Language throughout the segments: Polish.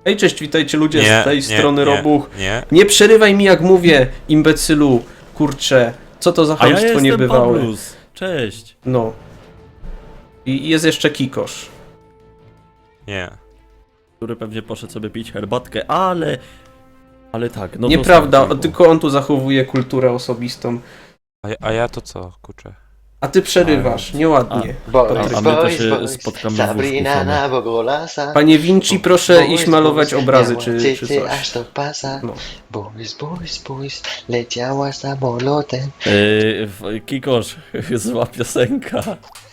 Ej, cześć, witajcie ludzie Nie, z tej nie, strony nie, Robuch. Nie. Nie przerywaj mi jak mówię, imbecylu. Kurczę, co to za A ja chamstwo jestem niebywałe. Pawlus. Cześć. No. I jest jeszcze Kikosz. Nie. Który pewnie poszedł sobie pić herbatkę, ale... Ale tak, no to Nieprawda, starczy, tylko on tu zachowuje kulturę osobistą. A ja to co, kurczę? A ty przerywasz, nieładnie. A my to się spotkamy w Sabrina łóżku na Bogolasa. Panie Vinci, proszę iść malować obrazy czy coś. Aż to pasa. No. Boys, leciała samolotem. Kikosz, zła piosenka.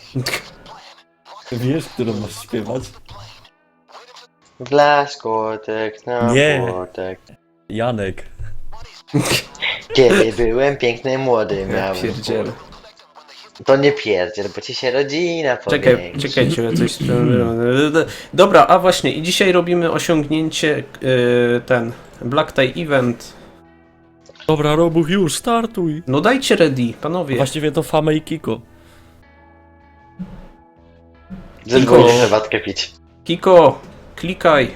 Wiesz, którą masz śpiewać? Blaskotek na Nie. płotek. Janek. Kiedy byłem piękny, młody Ja miałem. pierdzielę. To nie pierdziel, bo ci się rodzina Czekaj, powięksi. czekajcie, ja coś... Dobra, a właśnie, i dzisiaj robimy osiągnięcie, ten, Black Tie Event. Dobra, Robuch, już, startuj. No dajcie ready, panowie. Właściwie to Fame i Kiko. Zadzwonię herbatkę pić. Kiko, klikaj.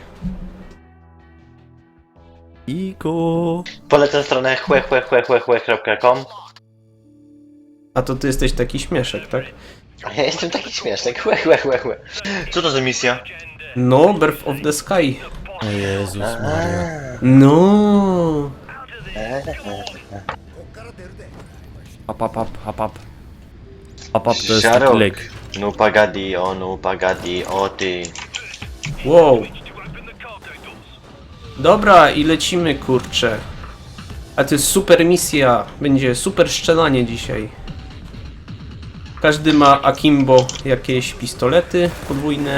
Kiko. Polecam stronę chłe.com. A to ty jesteś taki śmieszek, tak? A ja jestem taki śmieszny, chłe. Co to za misja? No, Birth of the Sky. O Jezus Maria. No. Hap. Hap to jest Żarok. taki lek. No pagadi, o ty. Wow. Dobra, i lecimy, kurczę. A to jest super misja. Będzie super strzelanie dzisiaj. Każdy ma akimbo jakieś pistolety podwójne.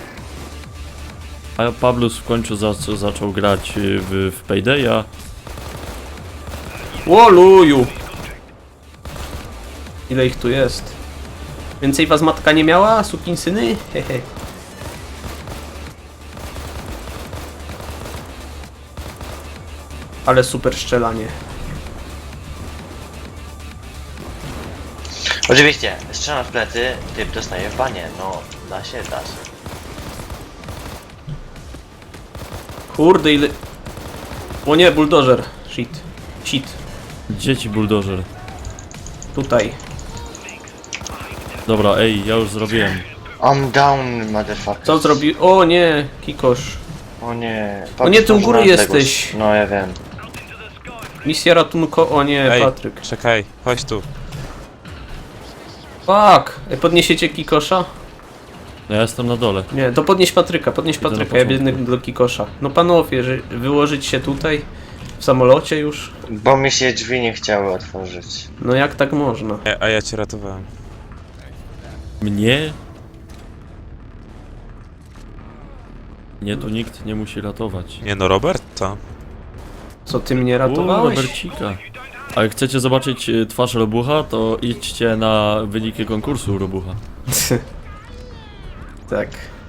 A Pawlus w końcu zaczął grać w Paydaya. Łoluju! Ile ich tu jest? Więcej was matka nie miała, sukinsyny? Hehe. Ale super strzelanie. Oczywiście, strzelam w plecy, typ dostaje w banie. No, da się. Kurde, ile... O nie, buldożer. Shit. Dzieci buldożer. Tutaj. Dobra, ej, ja już zrobiłem. I'm down, motherfucker. Co zrobił? O nie, Kikosz. O nie. O nie, ty u góry Patrz, jesteś. No, ja wiem. Misja ratunko... O nie, Ej, Patryk. czekaj, chodź tu. Fuck! Podniesiecie Kikosza? No ja jestem na dole. Nie, to podnieś Patryka, ja początku. biegnę do Kikosza. No panowie, że wyłożyć się tutaj? W samolocie już? Bo mi się drzwi nie chciały otworzyć. No jak tak można? A ja cię ratowałem. Mnie? Mnie tu nikt nie musi ratować. Nie no, Robert, to? Co, ty mnie ratowałeś? Robercika. A jak chcecie zobaczyć twarz Robucha, to idźcie na wyniki konkursu Robucha. Tak.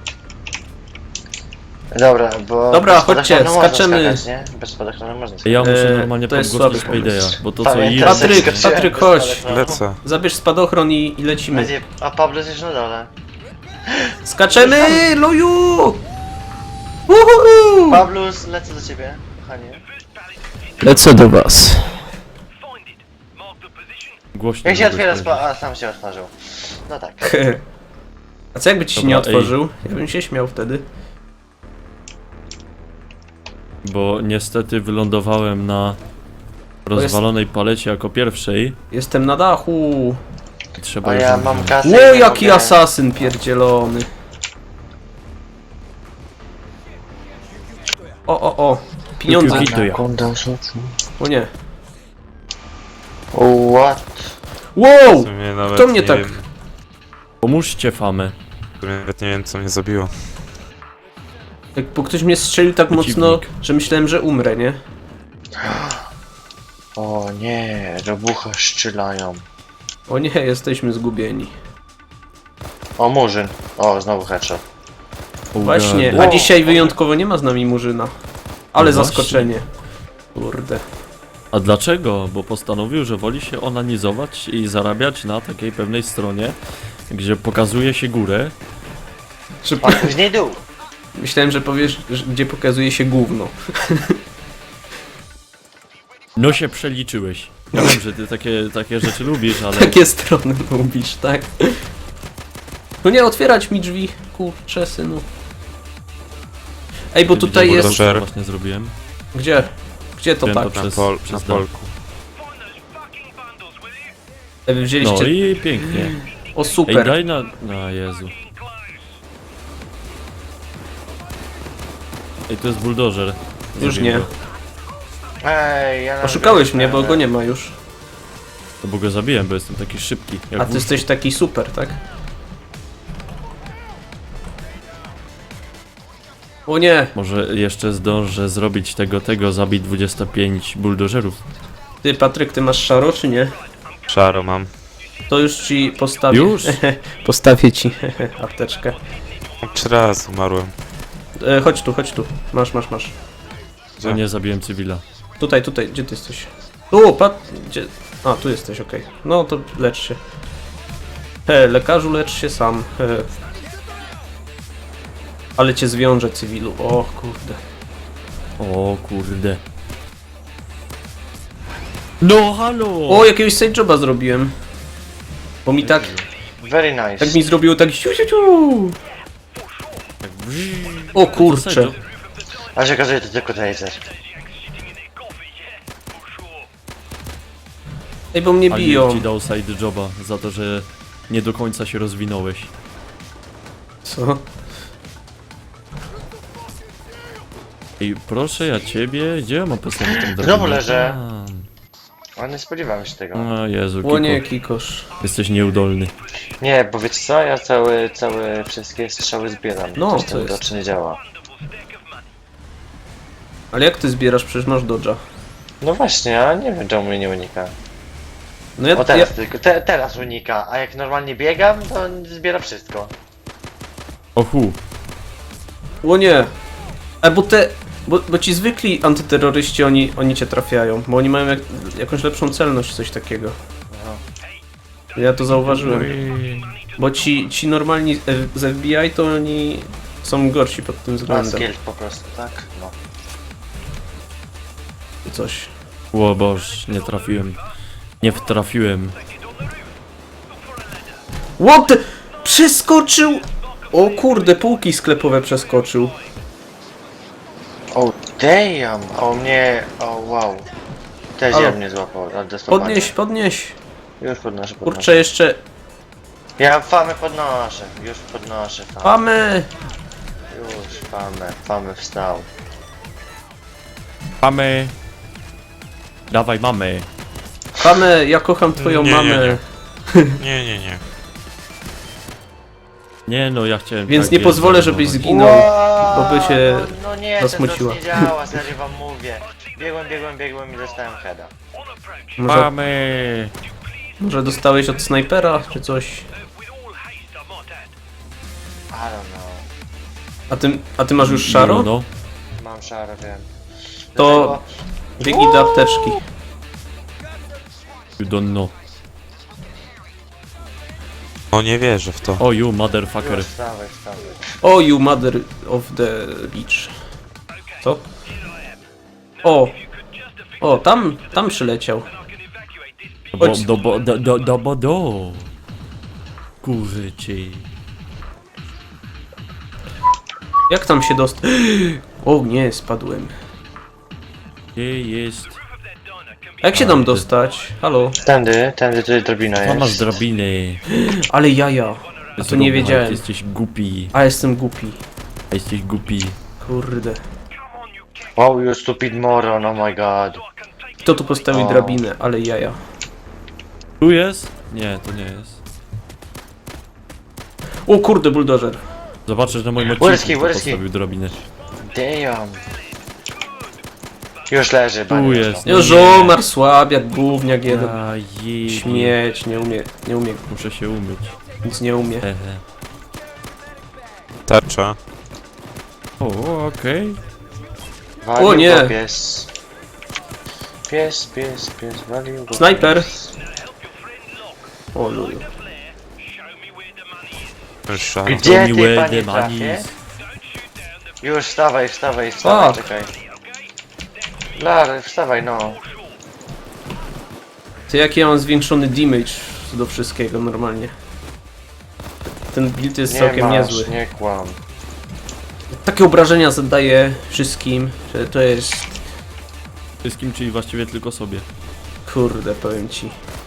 Dobra, bo... Dobra, bez chodźcie, spadochronu można skaczemy. skakać, nie? Bez spadochronu można skakać. Ja muszę normalnie to jest podgłosić słaby pomysł. Paydaya, bo to co Pamiętam, jest... Patryk, że skoczyłem Patryk, bez chodź. spadochronu. Lecę. Zabierz spadochron i lecimy. Będzie... A Pablo jest na dole. Skaczemy, luju! Uhuhu! Pablus, lecę do ciebie, kochanie. Lecę do was. Głośno. Jak się żebyś otwiera powiedział. a sam się otworzył. No tak. A co jakby ci się Dobra, nie ej. otworzył? Ja bym się śmiał wtedy. Bo niestety wylądowałem na rozwalonej palecie jako pierwszej. Jestem na dachu. Trzeba A już ja ją mam wziąć. kasę. Ło, i jaki mogę- asasyn pierdzielony. O. Pieniądze. Piu, piu, piu. Sekunda, rzucu. O nie. What? Wow! W sumie nawet Kto mnie nie tak... Wiem, Pomóżcie Famę. w sumie nawet nie wiem, co mnie zabiło. Bo ktoś mnie strzelił tak mocno, Przeciwnik. że myślałem, że umrę, nie? O nie, robucha strzelają. O nie, jesteśmy zgubieni. O, murzyn. O, znowu headshot. Właśnie, Ugady. a dzisiaj wyjątkowo nie ma z nami Murzyna. Ale No właśnie. zaskoczenie. Kurde. A dlaczego? Bo postanowił, że woli się onanizować i zarabiać na takiej pewnej stronie, gdzie pokazuje się górę. A później dół. Myślałem, że powiesz, gdzie pokazuje się gówno. No się przeliczyłeś. Ja wiem, że ty takie rzeczy lubisz, ale... Takie strony lubisz, tak? No nie, otwierać mi drzwi, kurczę, synu. Ej, bo tutaj Widziałem, jest... Buldożer. co właśnie zrobiłem. Gdzie? Gdzie to Wiem, tak? to Na, Przez- na przez polku. Ej, wy wzięliście... No i pięknie. O, Ej, super. daj na... No Jezu. Ej, to jest buldożer. Już Zabiłem nie. go. Ej, ja Oszukałeś mnie, bo go nie ma już. No bo go zabiłem, bo jestem taki szybki. Jak A ty wóz. jesteś taki super, tak? O nie! Może jeszcze zdążę zrobić zabić 25 buldożerów. Ty, Patryk, ty masz szaro, czy nie? Szaro mam. To już ci postawię. Już? Postawię ci apteczkę. 3 razy umarłem. Chodź tu, chodź tu. Masz. No nie, zabiłem cywila. Tutaj, gdzie ty jesteś? Tu, gdzie? A, tu jesteś, okej. No to lecz się. Lekarzu, lecz się sam. Ale cię zwiążę, cywilu. O kurde. O kurde. No halo! O, jakiegoś side joba zrobiłem. Bo mi tak Very nice. mi zrobiło tak siu. Tak brrr. O kurczę. A się okazuje, to tylko taser. Ej, bo mnie Ali biją. ci dał side joba za to, że nie do końca się rozwinąłeś. Co? Ej, proszę ja ciebie, gdzie ja mam postawić tą drabinę? Znowu leżę. Tam. A nie spodziewałem się tego. O Jezu, O nie, Kiko, Kikosz. jesteś nieudolny. Nie, bo wiecie co? Ja całe wszystkie strzały zbieram. No, Coś co ten jest? dodge nie działa. Ale jak ty zbierasz? Przecież masz dodge'a. No właśnie, a nie wiem czemu mnie nie unika. No ja, O teraz tylko, teraz unika, a jak normalnie biegam, to on zbiera wszystko. Ohu, O nie! Bo ci zwykli antyterroryści, oni cię trafiają. Bo oni mają jakąś lepszą celność, coś takiego. Ja to zauważyłem. Bo ci normalni z FBI to oni są gorsi pod tym A względem. skill po prostu, tak? No. Czy coś. o Boż, nie trafiłem. Nie wtrafiłem. What the? Przeskoczył! O kurde, półki sklepowe przeskoczył. Oh damn! O mnie, o wow. Też Halo. ja mnie złapał, ale dostosowanie. Podnieś. Już podnoszę. Kurczę, jeszcze... Ja famę podnoszę, już podnoszę famę. Mamy! Już famę wstał. Mamy. Dawaj, mamy. Mamy, ja kocham twoją Nie, mamę. Nie. Nie no, ja chciałem... Więc tak nie pozwolę, żebyś zdenerwować. zginął. Wow, bo by się no nie, zasmuciła. to nie działa, serio wam mówię. Biegłem i dostałem heada. Mamy. Może dostałeś od snajpera, czy coś? I don't know. A ty masz już szaro? No, Mam szaro, wiem. To biegnij do apteczki. you don't know. O, nie wierzę w to. O, you motherfucker. Wstawaj. O, you mother of the beach. Co? O, tam przyleciał. Chodź. Do. Kurczy. Jak tam się dostać? O nie, spadłem. Gdzie jest? A jak się tam dostać? Halo? Tędy tutaj drabina Tam masz jest. drabiny. Ale jaja. A to nie wiedziałem. Jesteś głupi. A jestem głupi. A jesteś głupi. Kurde. Wow, you stupid moron, oh my god. Kto tu postawił O. drabinę? Ale jaja. Tu jest? Nie, to nie jest. O kurde, buldożer. Zobaczysz na moim Wyrski, odcinku, kto wyrski. postawił drabinę. Damn. Już leży, Tu panie. jest. Już omar słabiak, gówniak jeden. A jej. Śmieć, nie umie, Muszę się umyć. nic nie umie. Hehe. Tarcza. O, okej. Walił O nie. go pies. Pies, walił go Snajper. pies. O luju. Już szaro. Gdzie ty, Miłe panie, demanis. trafię? Już wstawaj, A. czekaj. Lar, wstawaj no. Ty jaki ja mam zwiększony damage do wszystkiego normalnie. Ten build jest całkiem niezły. Nie kłam. Takie obrażenia zadaje wszystkim, że to jest... Wszystkim, czyli właściwie tylko sobie. Kurde, powiem ci.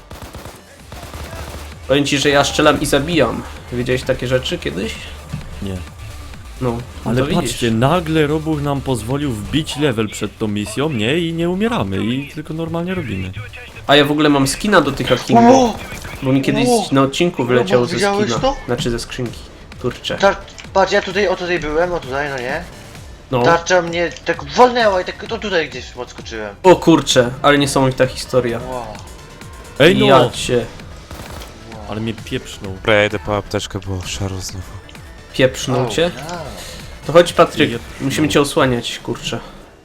Powiem ci, że ja strzelam i zabijam. Wiedziałeś takie rzeczy kiedyś? Nie. No, Ale to widzisz. patrzcie, nagle Robuch nam pozwolił wbić level przed tą misją, nie? I nie umieramy, i tylko normalnie robimy. A ja w ogóle mam skina do tych Akingów. Bo mi kiedyś Ło! na odcinku wyleciał Robo, ze widziałeś skina. to? Znaczy ze skrzynki. Kurczę. Patrz, ja tutaj, tutaj byłem, tutaj, no nie? No. Tarcza mnie tak wolnęła i tak to tutaj gdzieś podskoczyłem. O kurczę, ale niesamowita historia. Wow. Ej no! Ja cię Ale mnie pieprznął. Dobra, ja idę po apteczkę, bo szaro znowu. pieprznął cię. A. To chodź Patryk, Jep. musimy cię osłaniać, kurczę.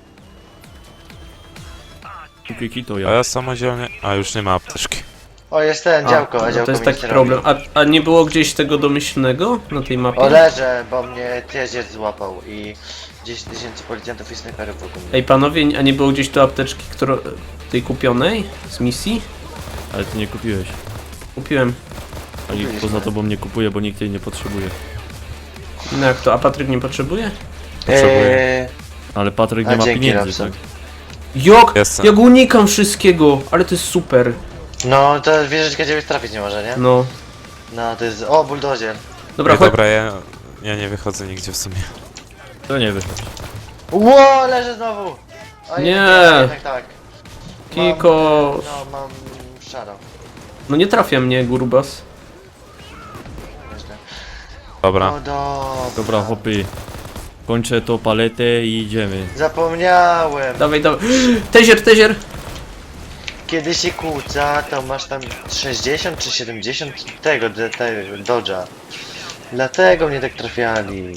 Kiki to A ja. ja samodzielnie... A, już nie ma apteczki. O, jest ten, działko, no a działko to jest mi taki nic nie problem. robi. A nie było gdzieś tego domyślnego na tej mapie? O, leżę, bo mnie jeździec złapał i 10 000 policjantów i snajperów wokół mnie. Ej panowie, a nie było gdzieś tu apteczki, tej kupionej z misji? Ale ty nie kupiłeś. Kupiłem. A nikt poza tobą nie kupuje, bo nikt jej nie potrzebuje. No jak to, a Patryk nie potrzebuje? Potrzebuję. Ale Patryk A nie ma dzięki, pieniędzy, Robson. tak? Jak? Jestem. Ja go unikam wszystkiego, ale to jest super. No, to wieżyczka ciebie trafić nie może, nie? No. No, to jest... O, buldozier. Dobra, Ej, chodź. dobra, ja nie wychodzę nigdzie w sumie. To nie wychodzi. Ło, leżę znowu! A Nie. jednak tak. Kiko. No, mam szaro. No nie trafia mnie, Gurbas. Nieźle. Dobra. No dobra. Dobra, hopy. Kończę to paletę i idziemy. Zapomniałem. Dawaj, dawaj. Tezier! Kiedy się kłóca, to masz tam 60 czy 70 tego dodge'a. Dlatego mnie tak trafiali.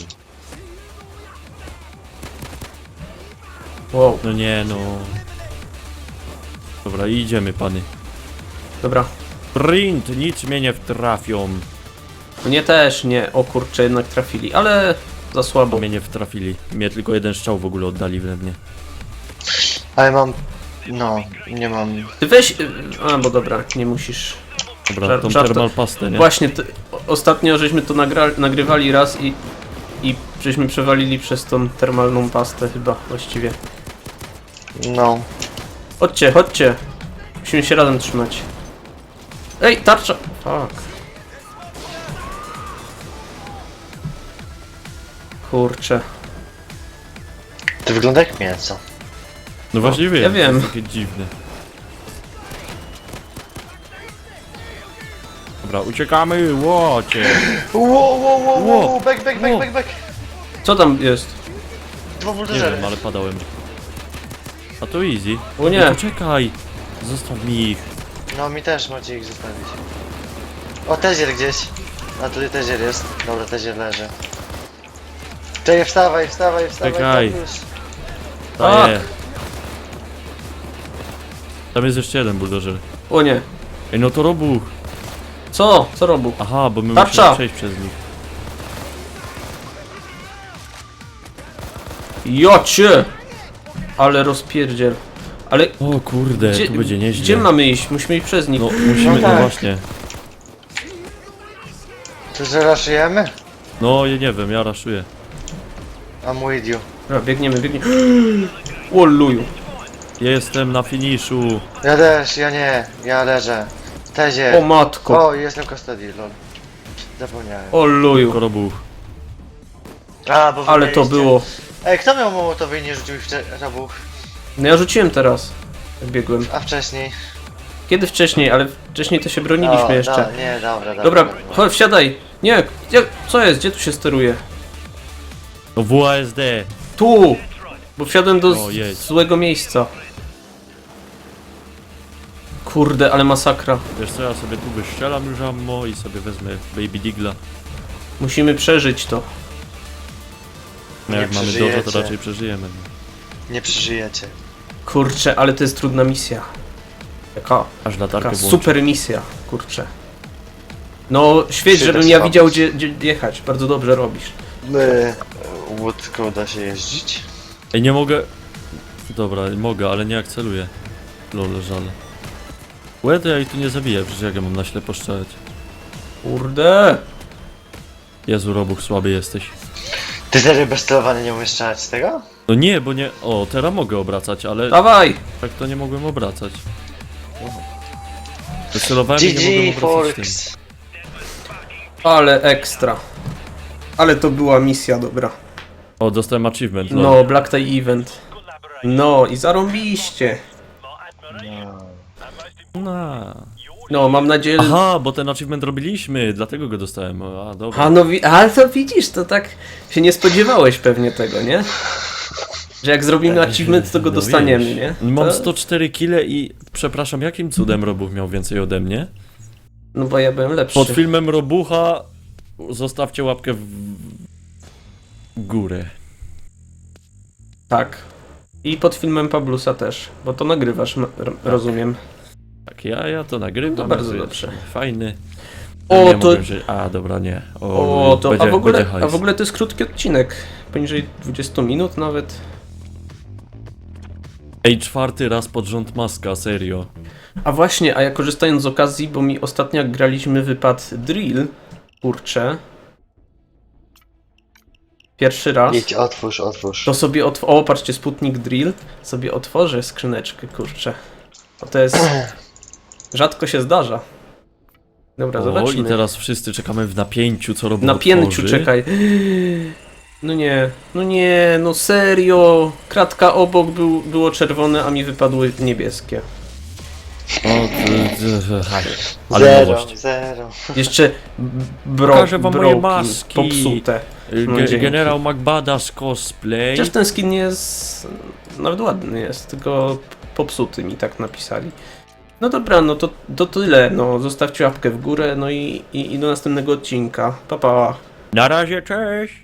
Wow, No nie no. Dobra, idziemy pany. dobra. Print, nic mnie nie wtrafią. Mnie też nie, o kurczę, jednak trafili, ale za słabo. Bo mnie nie wtrafili. Mnie tylko jeden strzał w ogóle oddali we mnie. Ale mam... No, nie mam... Ty weź... A, bo dobra, nie musisz. Dobra, tą Żart- thermal pastę, nie? Właśnie, ostatnio żeśmy to nagrywali raz i żeśmy przewalili przez tą termalną pastę chyba, właściwie. No. Chodźcie. Musimy się razem trzymać. Ej, tarcza! Fuck. Kurczę. To wygląda jak mięso. No właśnie wiem. ja wiem. To jest takie dziwne. Dobra, uciekamy, łocie. Wow, back, Co tam jest? Dwa Nie buldożery. wiem, ale padałem. A to easy. O nie. Poczekaj. Zostaw mi ich. No, mi też macie ich zostawić. O, tezier gdzieś. A tutaj tezier jest. Dobra, tezier leży. Czekaj, wstawaj. Czekaj. tam już. Daję. Tam jest jeszcze jeden buldożer. O nie. Ej, no to Robuch. Co? Co robił? Aha, bo my Tarcza. musimy przejść przez nich. Jocie! Ale rozpierdziel. Ale O kurde, tu będzie nieźle. gdzie mamy iść? Musimy iść przez nich. No musimy, No no tak. właśnie. To zraszujemy? No ja nie wiem, ja raszuję. I'm with you. Dobra, biegniemy. O luju. Ja jestem na finiszu. Ja też, ja nie. Ja leżę. O Tezier. matko. O, jestem custody, lol. Zapomniałem. O luju. Tylko Robuch. A, bo wy Ale to mieliście- było. Ej, kto miał mołotowy i nie rzucił ich w robuch? No ja rzuciłem teraz. Jak biegłem. A wcześniej? Kiedy wcześniej, ale wcześniej to się broniliśmy O, jeszcze. Nie, dobra. Dobra, chodź, wsiadaj. Nie, co jest? Gdzie tu się steruje? No WASD. Tu! Bo wsiadłem do O, jedź. złego miejsca. Kurde, ale masakra. Wiesz co, ja sobie tu wystrzelam już ammo i sobie wezmę Baby Digla. Musimy przeżyć to. No Nie jak mamy przeżyjecie. dużo, to raczej przeżyjemy. Nie przeżyjecie. Kurczę, ale to jest trudna misja. Taka Aż latarkę włączę. super misja, kurczę. No, świeć, Się żebym też ja robić. widział gdzie jechać. Bardzo dobrze robisz. łódką da się jeździć? Ej, nie mogę... Dobra, mogę, ale nie akceluję. Lol, żal. Łe, ja ich tu nie zabiję, przecież jak ja mam na ślepo strzelać. Kurde! Jezu, Robuch, słaby jesteś. Ty serio bez sterowania nie umiesz strzelać z tego? No nie, bo nie... O, teraz mogę obracać, ale Dawaj! tak to nie mogłem obracać. Wycelowałem i nie mogłem GG obracać tym. Forks! Ale ekstra. Ale to była misja dobra. O, dostałem achievement, lol. No, Black Tie Event. No i zarąbiście. No. No, mam nadzieję... Aha, bo ten achievement robiliśmy, dlatego go dostałem. A, dobra. A no, ale to widzisz, to tak się nie spodziewałeś pewnie tego, nie? Że jak zrobimy achievement, to go No dostaniemy, wiesz, nie? Mam To... 104 kile i... Przepraszam, jakim cudem Robuch miał więcej ode mnie? No bo ja byłem lepszy. Pod filmem Robucha zostawcie łapkę w górę. Tak. I pod filmem Pablusa też, bo to nagrywasz, rozumiem. Tak, ja to nagrywam. No to bardzo wiesz, dobrze. Fajny. O, Nie to... mogłem wziąć- A, dobra, nie. O, to... będzie, A będzie hajs. w ogóle to jest krótki odcinek. Poniżej 20 minut nawet. Ej, 4. raz pod rząd maska, serio. A właśnie, a ja korzystając z okazji, bo mi ostatnio jak graliśmy wypad Drill, kurczę. Pierwszy raz. Idź, otwórz. To sobie o, patrzcie, Sputnik Drill. Sobie otworzę skrzyneczkę, kurczę. Bo to jest... Rzadko się zdarza. Dobra, O, zobaczmy. i teraz wszyscy czekamy w napięciu, co Robuch Na pięciu otworzy. czekaj. No nie, no serio. Kratka obok było czerwone, a mi wypadły niebieskie. O, ale Zero, nowość. zero. Jeszcze Pokażę wam moje broki maski. popsute. No, dzięki. Generał McBadass cosplay. Chociaż ten skin nie jest... Nawet ładny jest, tylko popsuty mi tak napisali. No dobra, no to tyle. No, zostawcie łapkę w górę, no i do następnego odcinka. Pa, pa. Na razie, cześć!